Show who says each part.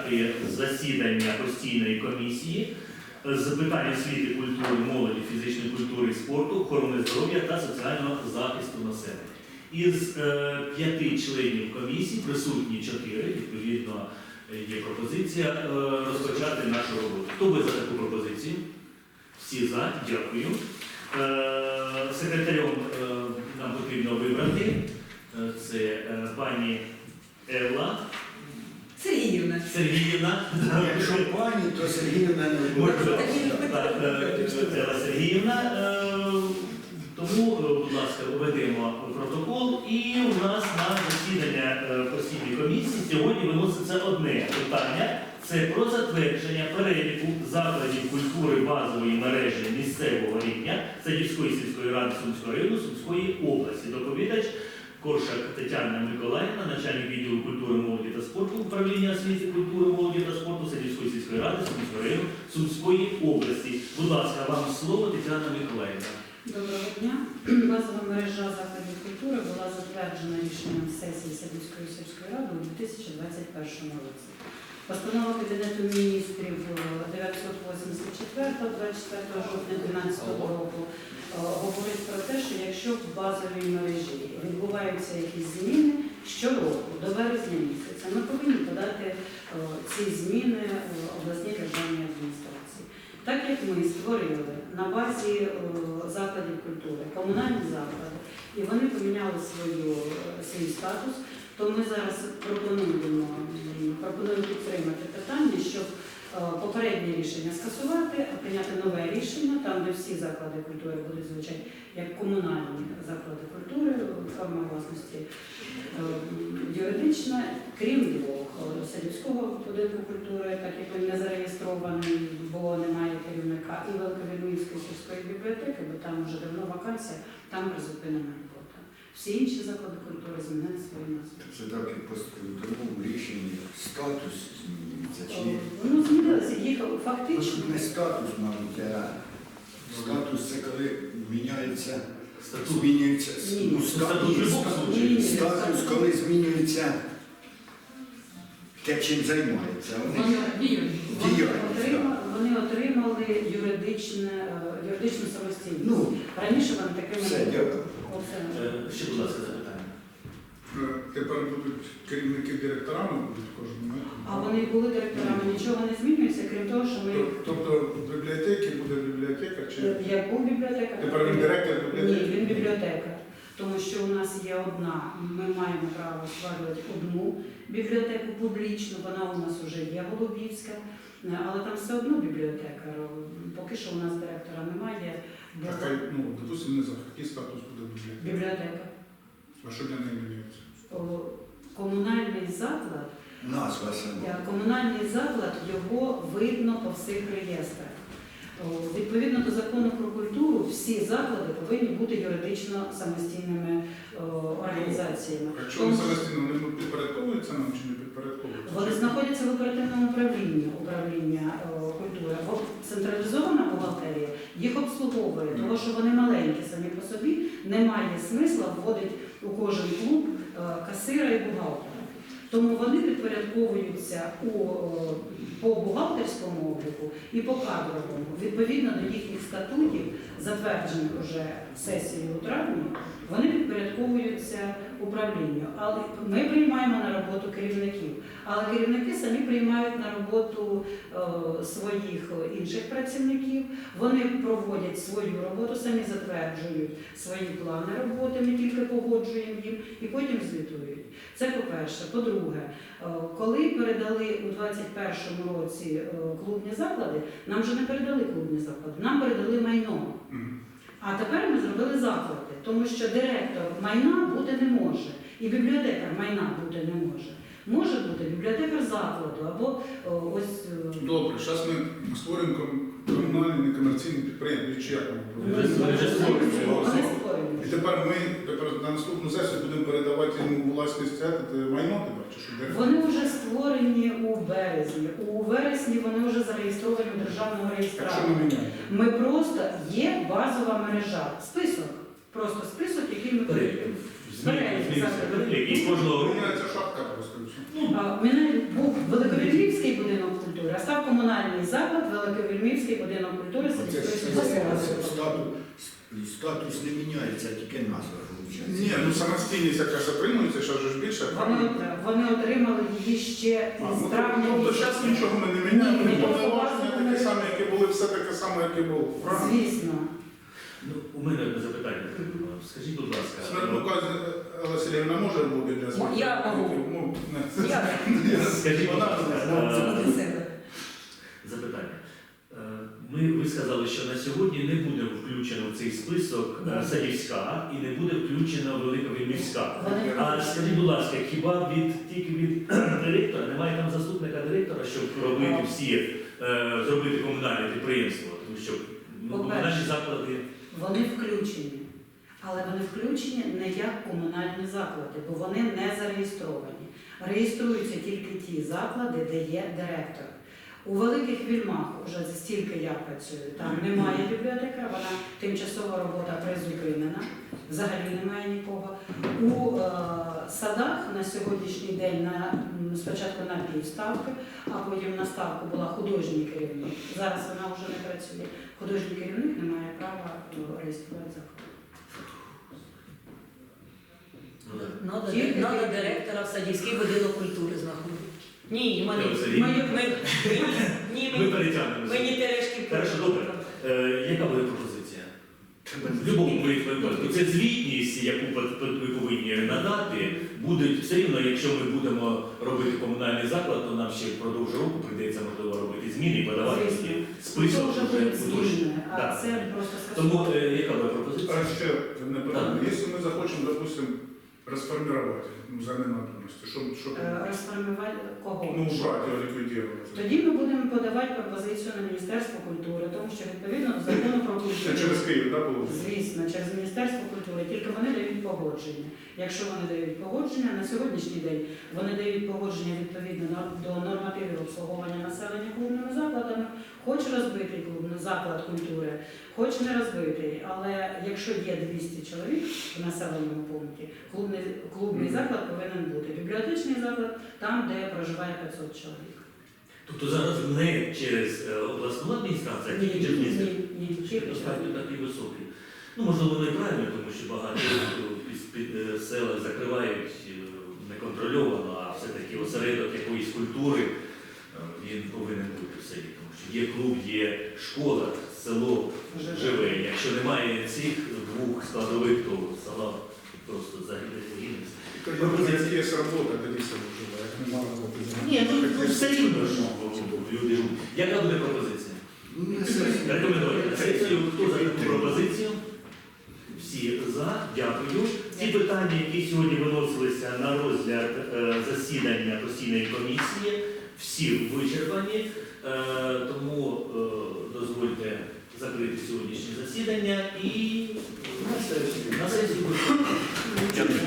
Speaker 1: розпочати засідання постійної комісії з питань освіти, культури, молоді, фізичної культури і спорту, охорони здоров'я та соціального захисту населення. Із 5 членів комісії присутні 4, відповідно, є пропозиція розпочати нашу роботу. Хто буде за таку пропозицію? Всі за, дякую. Секретарем нам потрібно вибрати. Це пані Елла
Speaker 2: Сергіївна.
Speaker 1: Сергіївна.
Speaker 3: Якщо пані, то Сергіївна не
Speaker 1: Може,
Speaker 3: буде.
Speaker 1: Елла Сергіївна. Тому, будь ласка, введемо протокол. І у нас на засідання постійної комісії сьогодні виноситься одне питання. Це про затвердження переліку закладів культури базової мережі місцевого рівня Садівської сільської ради Сумського району Сумської області. Доповідач Коршак Тетяна Миколаївна, начальник відділу культури, молоді та спорту, управління освіти, культури, молоді та спорту Садівської сільської ради Сумського району Сумської області. Будь ласка, вам слово, Тетяна Миколаївна.
Speaker 2: Доброго дня. Базова мережа закладів культури була затверджена рішенням сесії Садівської сільської ради у 2021 році. Постанова Кабінету міністрів 984 24 жовтня 2012 року говорить про те, що якщо в базовій мережі відбуваються якісь зміни щороку до березня місяця, ми повинні подати ці зміни обласній державній адміністрації. Так як ми створили на базі закладів культури комунальні заклади, і вони поміняли свій статус, то ми зараз пропонуємо підтримати питання, щоб попереднє рішення скасувати, а прийняти нове рішення, там, де всі заклади культури будуть звучати як комунальні заклади культури, форма власності юридична, крім двох. Садівського будинку культури, так як він не зареєстрований, бо немає керівника, і Великовільмівської сільської бібліотеки, бо там вже давно вакансія, там призупинена робота. Всі інші заклади культури змінили свої назви.
Speaker 3: Це так і по другому рішенні статус змінюється. Чи...
Speaker 2: Ну, змінилося, їх фактично.
Speaker 3: Тут не статус, мабуть, а статус це коли міняється, змінюється статус, коли змінюється те, чим займається.
Speaker 2: Вони отримали юридичну самостійність.
Speaker 3: Ну,
Speaker 2: раніше вони такими
Speaker 3: все, дякую.
Speaker 1: Ще, будь ласка, запитання.
Speaker 4: Тепер будуть керівники директорами будуть кожного.
Speaker 2: А вони були директорами, нічого не змінюється, крім того, що ми...
Speaker 4: Тобто в бібліотеці буде бібліотекар? Чи...
Speaker 2: Я був бібліотекар.
Speaker 4: Тепер він директор бібліотеки?
Speaker 2: Ні, він бібліотекар. Тому що у нас є одна, ми маємо право створювати одну бібліотеку публічну, вона у нас вже є Голубівська, але там все одно бібліотекар. Поки що у нас директора немає.
Speaker 4: Так, ну, допустимо, не знаю, який статус буде бібліотека?
Speaker 2: Бібліотека.
Speaker 4: А що для неї міняється?
Speaker 2: Комунальний заклад,
Speaker 3: Назва сама.
Speaker 2: комунальний заклад, його видно по всіх реєстрах. Відповідно до закону про культуру, всі заклади повинні бути юридично самостійними організаціями.
Speaker 4: Якщо вони самостійно, вони підпорядковуються нам чи не підпорядковуються?
Speaker 2: Вони знаходяться в оперативному управлінні управління культури. Централізована бухгалтерія їх обслуговує, тому що вони маленькі самі по собі, немає смисла вводити у кожен клуб касира і бухгалтера. Тому вони підпорядковуються по бухгалтерському обліку і по кадровому. Відповідно до їхніх статутів, затверджених вже сесією у травні, вони підпорядковуються управлінню. Але ми приймаємо на роботу керівників, але керівники самі приймають на роботу своїх інших працівників, вони проводять свою роботу, самі затверджують свої плани роботи, ми тільки погоджуємо їм і потім звітують. Це по-перше. По-друге, коли передали у 2021 році клубні заклади, нам вже не передали клубні заклади, нам передали майно. А тепер ми зробили заклади, тому що директор майна бути не може, і бібліотекар майна бути не може. Може бути бібліотекар закладу або ось...
Speaker 4: Добре, зараз ми створюємо комунальні некомерційні підприємства, чи як ми І тепер ми на наступну сесію будемо передавати йому власність майно тепер, чи що?
Speaker 2: Вони вже створені у березні. У вересні вони вже зареєстровані у державному реєстраторі.
Speaker 4: Що ми міняємо?
Speaker 2: Ми просто є базова мережа. Список. Просто список, який ми
Speaker 1: І кожного року.
Speaker 4: Міняється шапка просто.
Speaker 2: У мене був Великовільмівський культури, а став комунальний заклад Великовільмівський будинок культури
Speaker 3: Оце ж
Speaker 2: сільської сільської ради.
Speaker 3: статус не міняється, тільки назва виходить.
Speaker 4: Ні, ну самостійність якраз отримується, що ж більше, правильно?
Speaker 2: Вони отримали її ще з травня.
Speaker 4: Тобто зараз нічого ми не міняємо,
Speaker 2: Ні,
Speaker 4: повноваження таке саме, яке були, все таке саме, яке було. Правильно?
Speaker 2: Звісно.
Speaker 1: Ну, у мене одне запитання. Скажіть, будь ласка.
Speaker 4: Смертнука Елла Сергіївна може бути для себе?
Speaker 5: Я можу.
Speaker 4: Ну, не.
Speaker 1: Скажіть, будь ласка,
Speaker 5: Це буде себе.
Speaker 1: запитання. Ви сказали, що на сьогодні не буде включено в цей список Садівська і не буде включено Великовільмівська.
Speaker 2: Вони
Speaker 1: А скажіть, будь ласка, хіба тільки від директора немає там заступника директора, щоб робити зробити комунальне підприємство? Тому що комунальні заклади.
Speaker 2: Вони включені. Але вони включені не як комунальні заклади, бо вони не зареєстровані. Реєструються тільки ті заклади, де є директор. У Великих Вільмах, уже стільки я працюю, там немає бібліотекаря, вона тимчасова робота призупинена, взагалі немає нікого. У садах на сьогоднішній день спочатку на півставки, а потім на ставку була художній керівник. Зараз вона вже не працює. Художній керівник не має права реєструвати заклад.
Speaker 5: Надо директора в Садівський будинок культури знаходити. Ні,
Speaker 1: Ми перетягнемо.
Speaker 5: мені терешки.
Speaker 1: Хорошо, добре. Яка буде пропозиція? В будь-якому випадку це звітність, яку ви повинні надати, будуть все рівно, якщо ми будемо робити комунальний заклад, то нам ще впродовж року прийдеться, можливо, робити зміни і подавати
Speaker 2: Звісно.
Speaker 1: список.
Speaker 2: Це вже
Speaker 1: вже
Speaker 2: будуть
Speaker 1: уточнений.
Speaker 2: зміни, а
Speaker 1: Так.
Speaker 2: це просто
Speaker 1: Тому
Speaker 2: скасування.
Speaker 1: яка буде пропозиція?
Speaker 4: А ще не питання. Якщо ми захочемо, допустим, розформувати за ненадобності, що
Speaker 2: Розформувати кого?
Speaker 4: ну, убрати його, ліквідувати.
Speaker 2: Тоді ми будемо подавати пропозицію на Міністерство культури, тому що відповідно до закону про
Speaker 4: Це
Speaker 2: культуру.
Speaker 4: через Київ, так, положення?
Speaker 2: Звісно, через Міністерство культури, тільки вони дають погодження. Якщо вони дають погодження, на сьогоднішній день вони дають погодження відповідно до нормативів обслуговування населення клубними закладами, хоч розбитий клубний заклад культури, хоч не розбитий. Але якщо є 200 чоловік в населеному пункті, клубний заклад повинен бути. Бібліотечний заклад там, де проживає 500 чоловік.
Speaker 1: Тобто зараз не через обласну адміністрацію, а тільки через місто.
Speaker 2: Ні, тільки
Speaker 1: Достатньо такий високий. Ну, можливо, воно і правильно, тому що багато села закривають неконтрольовано, а все-таки осередок якоїсь культури він повинен бути в селі. Тому що є клуб, є школа, село живе. Якщо немає цих двох складових, то село просто загине.
Speaker 4: Як є робота, тоді село живе, як немає роботи.
Speaker 1: Ні, ну все рівно ж люди живуть. Яка буде пропозиція? Рекомендувати на сесію. Хто за таку пропозицію? Всі за. Дякую. Ті питання, які сьогодні виносилися на розгляд засідання постійної комісії, всі вичерпані. Тому дозвольте закрити сьогоднішнє засідання і на сесію.